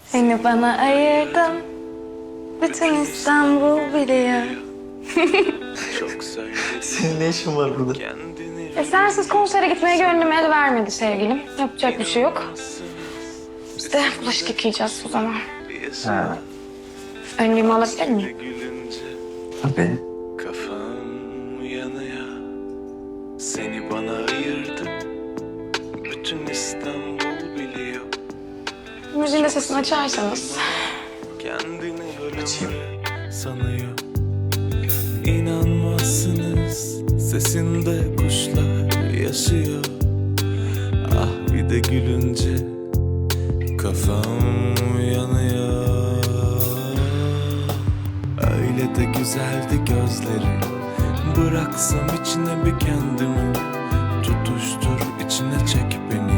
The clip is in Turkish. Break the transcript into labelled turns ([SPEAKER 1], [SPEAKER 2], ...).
[SPEAKER 1] Seni bana ayırdım. Bütün İstanbul biliyor.
[SPEAKER 2] Senin ne işin var burada?
[SPEAKER 1] Sensiz konsere gitmeye gönlüm el vermedi sevgilim. Yapacak bir şey yok. Biz de bulaşık yıkayacağız o zaman.
[SPEAKER 2] Ha,
[SPEAKER 1] Önlüğümü alabilir miyim?
[SPEAKER 2] tabii.
[SPEAKER 3] Kafam yanıyor. Seni bana ayırdım. Bütün İstanbul biliyor.
[SPEAKER 1] Müziğin de sesini açarsanız.
[SPEAKER 3] Kendini
[SPEAKER 2] Açayım.
[SPEAKER 3] ölümlü sanıyor. İnanmazsınız sesinde kuşlar yaşıyor. Ah bir de gülünce kafam yanıyor. Öyle de güzeldi gözleri. Bıraksam içine bir kendimi. Tutuştur içine çek beni.